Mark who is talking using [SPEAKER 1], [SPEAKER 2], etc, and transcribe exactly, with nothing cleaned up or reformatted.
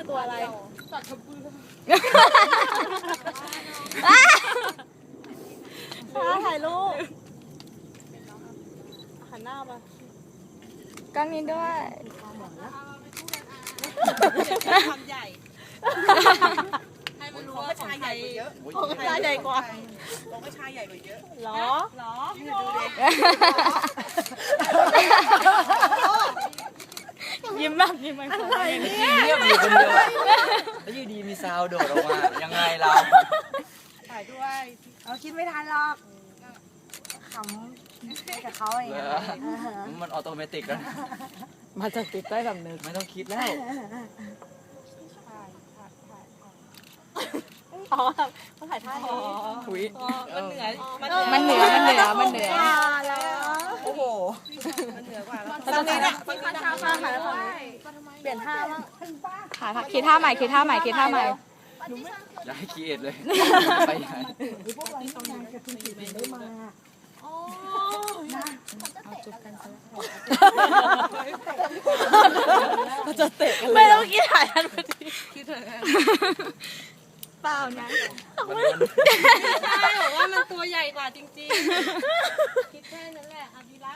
[SPEAKER 1] ตัวอะไรสัตว์กระบือถ่ายรูปหันหน้ามา
[SPEAKER 2] กล้องนี้ด้วย
[SPEAKER 1] ความใหญ่ให้มันรู้ว่าชายใหญ่เยอะของชายใหญ่กว่าของชายใหญ่กว่าเยอะหรอหรอดูดิยิ้มแบบยิ้มแบบอะไรเนี่ย
[SPEAKER 3] เงียบอยู่คนเดียวแล้วอยู่ดีมีซาวโดดออกมายังไงเรา
[SPEAKER 1] ถ่ายด้วย
[SPEAKER 4] เราคิดไม่ทันหรอกขำไปกับเขาเอง
[SPEAKER 3] มันออโตเมติกแล้ว
[SPEAKER 2] มาจากติดใต้สำนึก
[SPEAKER 3] ไม่ต้องคิดแล้ว
[SPEAKER 1] อ๋อเขาถ่ายท่านี้
[SPEAKER 3] อุ้ย
[SPEAKER 1] มันเหนือ
[SPEAKER 2] มันเหนือมันเหนือมันเหนือ
[SPEAKER 1] โอ้โหมันเหนือกว่าตอนนี้เนี่ยมันข้าวข้าวถ่ายแล้วเปลี่ยนท่าบ้าง
[SPEAKER 2] ค่ะค่ะคิดท่าใหม่คิดท่าใหม่คิดท่าใหม่
[SPEAKER 3] อย่าให้คิดเลยไปไหน
[SPEAKER 4] พวกเราที่ทำงานกับคุณผีได้มา
[SPEAKER 2] จะเตะกันเลย
[SPEAKER 1] ไม่ต้องคิดถ่ายทันพอดีคิดเถอะ
[SPEAKER 2] เปล่านะ
[SPEAKER 1] ใช่บอกว่ามันตัวใหญ่กว่าจริงๆคิดแค่นั้นแหละอภิรักษ์